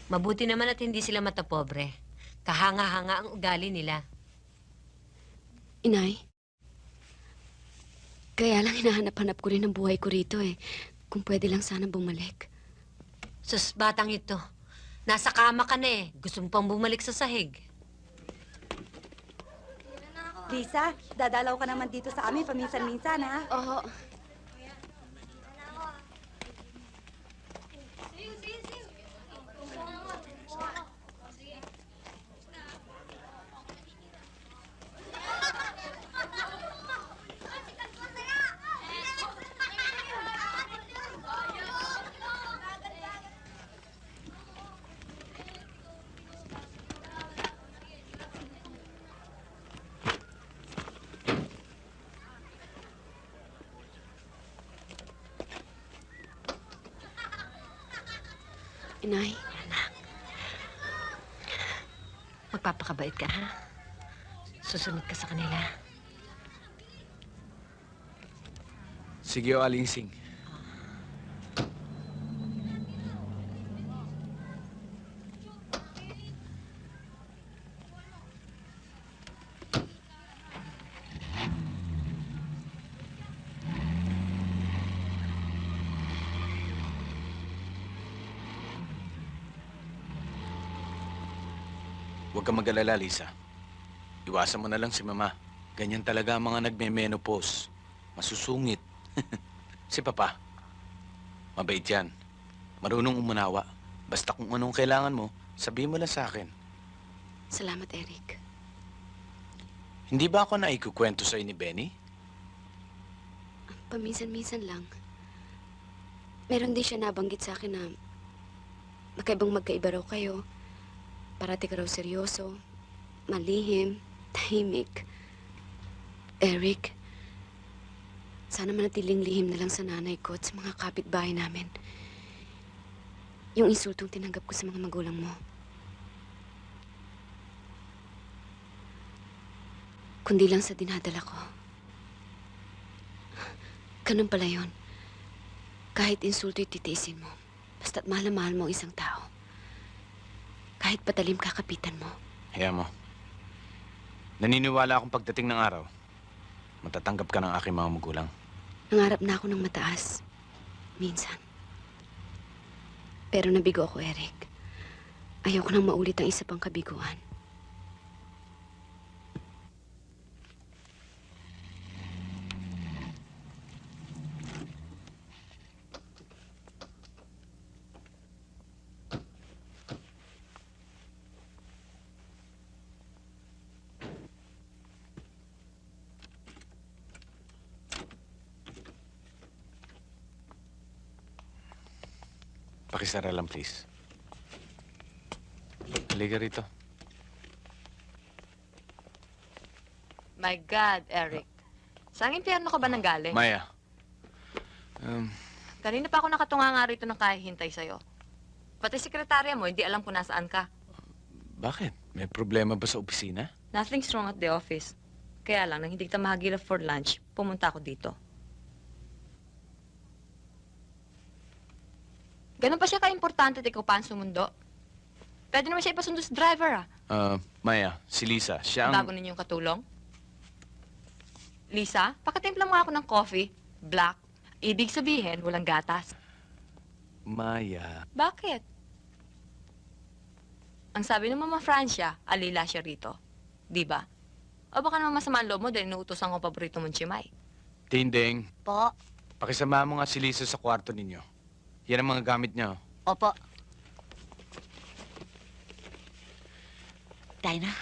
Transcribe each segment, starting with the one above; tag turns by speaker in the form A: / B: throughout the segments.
A: Mabuti naman at hindi sila matapobre. Kahanga-hanga ang ugali nila.
B: Inay, kaya lang hinahanap-hanap ko rin ang buhay ko rito eh. Kung pwede lang sana bumalik.
A: Sus, batang ito. Nasa kama ka na eh. Gusto mo pang bumalik sa sahig.
C: Lisa, dadalaw ka naman dito sa amin paminsan-minsan, ha?
B: Oo. Inay,
A: Magpapakabait ka, ha? Susunod ka sa kanila.
D: Sige o, Alinsing. Huwag kang mag-alala, Lisa. Iwasan mo na lang si Mama. Ganyan talaga ang mga nagme-menopause. Masusungit. Si Papa, mabait yan. Marunong umunawa. Basta kung anong kailangan mo, sabihin mo lang sa akin.
B: salamat Eric.
D: Hindi ba ako naikukwento sa'yo ni Benny?
B: Paminsan-minsan lang. Meron din siya nabanggit sa akin na magkaibang magkaiba raw kayo. Parati ka raw seryoso, malihim, tahimik. Eric, sana manatiling lihim na lang sa nanay ko at sa mga kapitbahay namin. Yung insultong tinanggap ko sa mga magulang mo. Kundi lang sa dinadala ko. Ganun pala yun. Kahit insulto'y titiisin mo. Basta't mahal na mahal mo ang isang tao. Kahit patalim kakapitan mo.
D: Hayaan mo. Naniniwala akong pagdating ng araw, matatanggap ka ng aking mga magulang.
B: Nangarap na ako ng mataas. Minsan. Pero nabigo ako, Eric. Ayoko nang maulit ang isa pang kabiguan.
D: Pakisara lang, please. Halika rito.
E: My God, Eric. Saan impyerno ka ba nanggaling?
D: Maya.
E: Kanina pa ako nakatunga nga rito ng kahihintay sa'yo. Pati sekretarya mo, hindi alam kung nasaan ka.
D: Bakit? May problema ba sa opisina?
E: Nothing's wrong at the office. Kaya lang, nang hindi kita mahagilap for lunch, pumunta ako dito. Ganun pa siya ka-importante at ikaw pa ang sumundo? Pwede naman siya ipasundo sa driver, ah.
D: Maya, si Lisa, siya ang...
E: Bago ninyong katulong. Lisa, pakatimpla mo ako ng coffee. Black. Ibig sabihin, walang gatas.
D: Maya.
E: Bakit? Ang sabi ng Mama Francia, alila siya rito. Di ba? O baka naman masama ang loob mo dahil inuutosan ko ang paborito mong chimay.
D: Tinding,
F: Po.
D: pakisama mo nga si Lisa sa kwarto ninyo. Yan ang mga gamit niya. Oh.
F: Opo. Tayo na.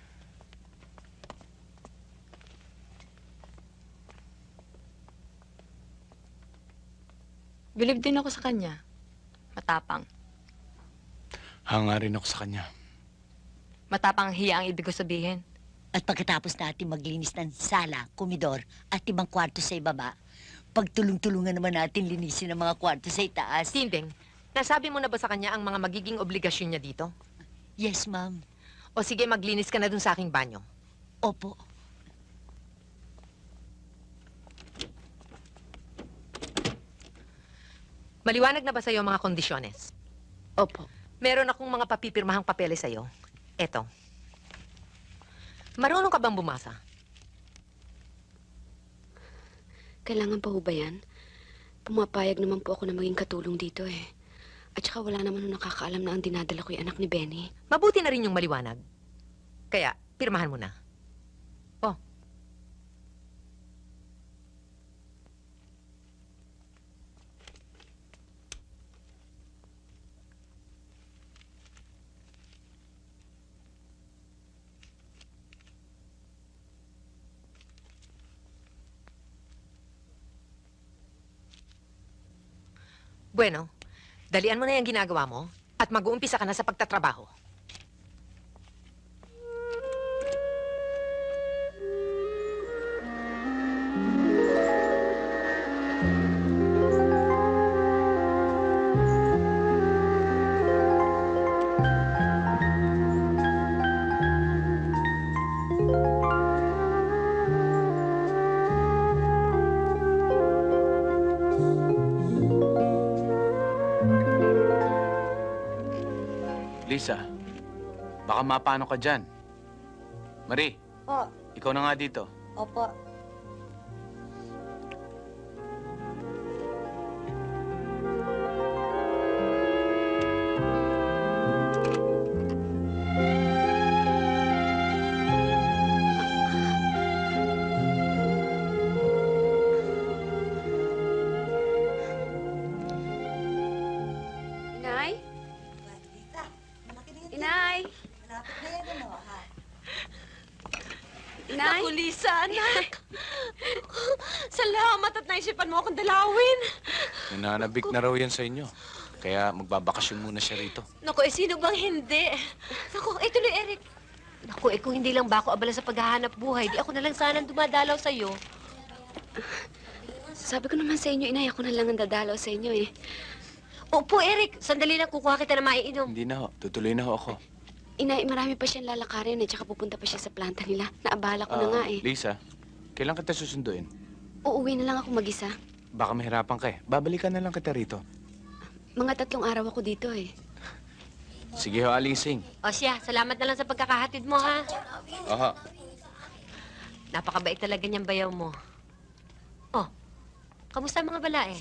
E: Bilib din ako sa kanya. Matapang.
D: Hanga rin ako sa kanya.
E: Matapang hiya ang ibig ko sabihin.
F: At pagkatapos natin maglinis ng sala, komedor, at ibang kwarto sa ibaba, pagtulong-tulungan naman natin linisin ang mga kwarto sa itaas.
G: Tinding, nasabi mo na ba sa kanya ang mga magiging obligasyon niya dito?
F: Yes, ma'am.
G: O sige, maglinis ka na dun sa aking banyo.
F: Opo.
G: Maliwanag na ba sa'yo ang mga kondisyones?
B: Opo.
G: Meron akong mga papipirmahang papeles sa'yo. Eto. Marunong ka bang bumasa?
B: Kailangan pa ho ba yan? Pumapayag naman po ako na maging katulong dito eh. At saka wala naman ho nakakaalam na ang dinadala ko yung anak ni Benny.
G: Mabuti na rin yung maliwanag. Kaya, pirmahan mo na. Oh. Bueno, dalian mo na yung ginagawa mo at mag-uumpisa ka na sa pagtatrabaho.
D: Lisa, baka mapano ka dyan. Marie,
C: Po,
D: ikaw na nga dito.
C: opo.
B: Inay? Inay? Inay?
E: Naku, Lisa, anak. Salamat at naisipan mo akong dalawin.
D: Nananabik na raw yan sa inyo. Kaya magbabakasyon muna siya rito.
A: Naku, sino bang hindi? Naku, tuloy, Eric. Naku, kung hindi lang ba ako abala sa paghahanap buhay, di ako na lang sanang dumadalaw sa'yo.
B: Sabi ko naman sa inyo, Inay, ako na lang ang dadalaw sa inyo eh.
A: Opo, Eric. Sandali lang kukuha kita na maiinom.
D: Hindi na ho. Tutuloy na ho ako.
B: Inay, marami pa siyang lalakarin eh, tsaka pupunta pa siya sa planta nila. Naabala ko na nga eh.
D: Lisa, kailan kita susunduin?
B: Uuwi na lang ako mag-isa.
D: Baka mahirapan ka eh. Babalikan na lang kita rito.
B: Mga 3 araw ako dito eh.
D: Sige ho, Aling Sing.
A: O siya, salamat na lang sa pagkakahatid mo, ha?
D: Aha.
A: Napakabait talaga niyang bayaw mo. Oh, kamusta ang mga balae?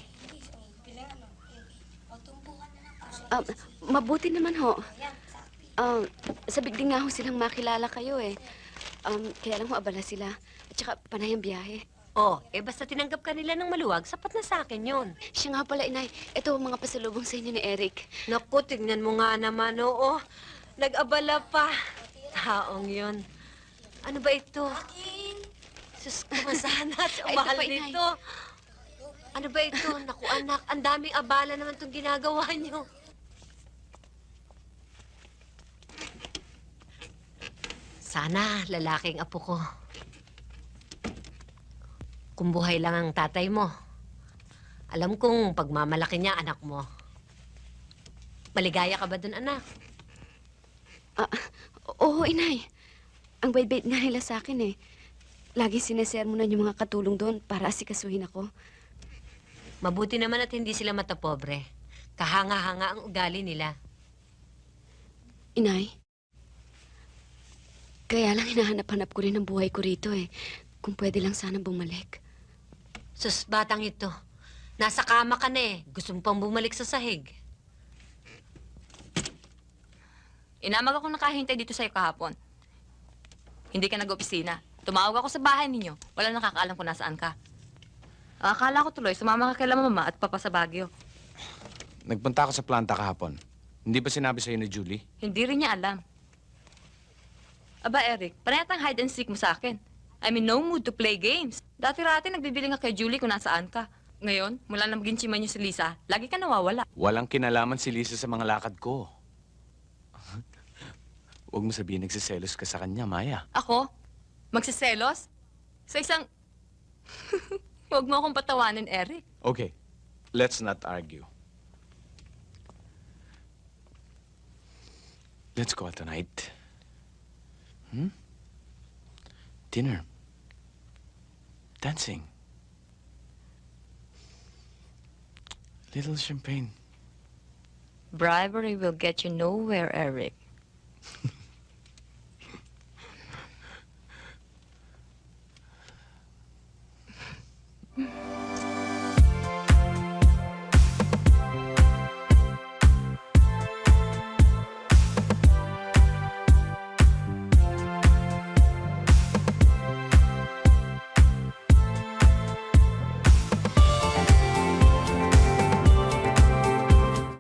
B: Mabuti naman ho. Sabik din nga ho silang makilala kayo eh. Kaya lang ho abala sila. At saka panay ang biyahe.
A: Oh, basta tinanggap ka nila ng maluwag, sapat na sa akin yun.
B: Siya nga pala, Inay. Ito ang mga pasalubong sa inyo ni Eric.
A: Naku, tignan mo nga naman, oo. Nag-abala pa. Taong yun. Ano ba ito? Sus, kumasana at
B: Ay,
A: umahal
B: ito pa, Inay.
A: nito. Ano ba ito? Naku, anak, ang daming abala naman itong ginagawa niyo. Sana lalaking apo ko. Kung buhay lang ang tatay mo. Alam kong pagmamalaki niya, anak mo. Maligaya ka ba dun, anak?
B: Oo, Inay. Ang bait-bait nga nila sa akin eh. Lagi sinesermonan yung mga katulong doon para asikasuhin ako.
A: Mabuti naman at hindi sila matapobre. Kahanga-hanga ang ugali nila.
B: Inay, kaya lang hinahanap-hanap ko rin ang buhay ko rito eh. Kung pwede lang sana bumalik.
A: Sus, batang ito. Nasa kama ka na eh. Gusto mo pang bumalik sa sahig.
E: Inamag ako nakahintay dito sa'yo kahapon. Hindi ka nag-opisina. Tumawag ako sa bahay ninyo. Wala nakakaalam kung nasaan ka. Akala ko tuloy, sumama ka kay mama at papa sa Baguio.
D: Nagpunta ako sa planta kahapon. Hindi ba sinabi sa'yo ni Julie?
E: Hindi rin niya alam. Aba, Eric, panayat ang hide and seek mo sa akin. I'm in no mood to play games. Dati-rati nagbibili nga kay Julie kung nasaan ka. Ngayon, mula na maging chima niyo si Lisa, lagi ka nawawala.
D: Walang kinalaman si Lisa sa mga lakad ko. Huwag mo sabihin nagsiselos ka sa kanya, Maya.
E: Ako? Magsiselos? Sa isang... Huwag mo akong patawanin, Eric.
D: Okay, let's not argue. Let's go out tonight. Dinner. Dancing. Little champagne.
E: Bribery will get you nowhere, Eric.